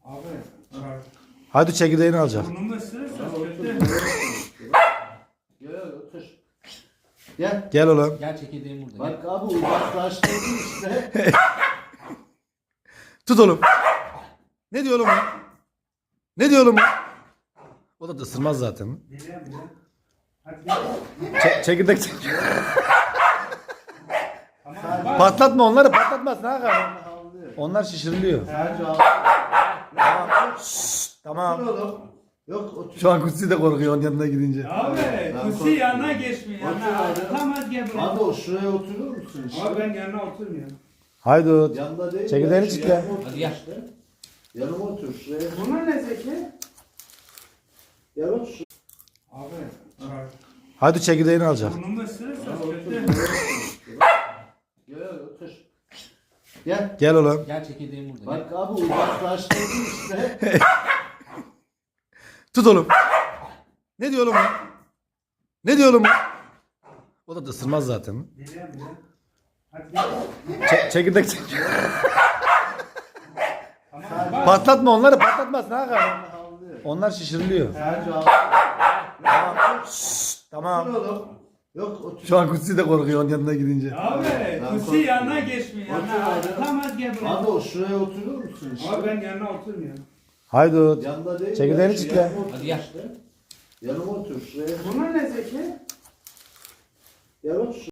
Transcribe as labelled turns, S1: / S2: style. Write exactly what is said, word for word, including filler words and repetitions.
S1: Abi. Çay.
S2: Hadi çekirdeğini alacağım.
S1: Burnumu ısırırsa
S3: Otur.
S1: kötü.
S3: Gel otur. Gel.
S2: Gel oğlum.
S4: Gel çekirdeğim burada.
S3: Bak abi uzaklaştırdı işte.
S2: Tut oğlum. Ne diyor oğlum o? Ne diyor oğlum o? O da ısırmaz zaten.
S1: Biliyorum biliyorum. Hadi gel.
S2: Çe- çekirdek çek.
S1: Tamam. Bak.
S2: Patlatma onları, patlatmaz. Ne yapalım?
S3: Havlıyor.
S2: Onlar şişiriliyor.
S3: Sadece al. Otur
S2: Tamam.
S3: oğlum. Yok otur.
S2: Şu an Kutsi de korkuyor onun yanına gidince.
S1: Abi.
S3: Ben
S1: Kusi
S3: korktum.
S1: yanına geçmiyor.
S3: Otur
S1: Yanına.
S3: abi.
S1: Tamam gel buraya.
S3: Abi o şuraya oturur musun işte?
S1: Abi ben yanına oturmuyorum.
S2: Haydi.
S3: Yanında değil.
S2: Çekirdeğini
S3: ya, şu
S2: çekle.
S3: yanıma otur
S4: Hadi gel.
S3: işte. Yanıma otur şuraya.
S1: Bunlar ne Zeki?
S3: Gel otur.
S1: Abi. Çay.
S2: Hadi çekirdeğini alacağım.
S1: Burnumu ısırırsa
S3: Otur.
S1: kötü.
S3: Gel otur. Gel.
S2: Gel oğlum.
S4: Gel çekirdeğim burada.
S3: Bak abi uzaklaştırdı işte.
S2: Tut oğlum. Ne diyor oğlum o? Ne diyor oğlum o? O da ısırmaz zaten.
S1: Biliyorum biliyorum. Hadi gel.
S2: Çe- çekirdek çek.
S1: Tamam. Bak.
S2: Patlatma onları, patlatmaz. Ne yapalım?
S3: Havlıyor.
S2: Onlar şişiriliyor.
S3: Sadece al.
S2: Tamam.
S3: Otur oğlum. Yok otur.
S2: Şu an Kutsi de korkuyor onun yanına gidince.
S1: Abi.
S3: Ben
S1: Kusi
S3: korktum.
S1: yanına geçmiyor.
S3: Otur
S1: Yanına.
S3: abi.
S1: Tamam gel buraya.
S3: Abi o şuraya oturur musun işte?
S1: Abi ben yanına oturmuyorum.
S2: Haydi.
S3: Yanında değil.
S2: Çekirdeğini
S3: ya, şu
S2: çekle.
S3: yanıma otur
S4: Hadi gel.
S3: işte. Yanıma otur şuraya.
S1: Bunlar ne Zeki?
S3: Gel otur.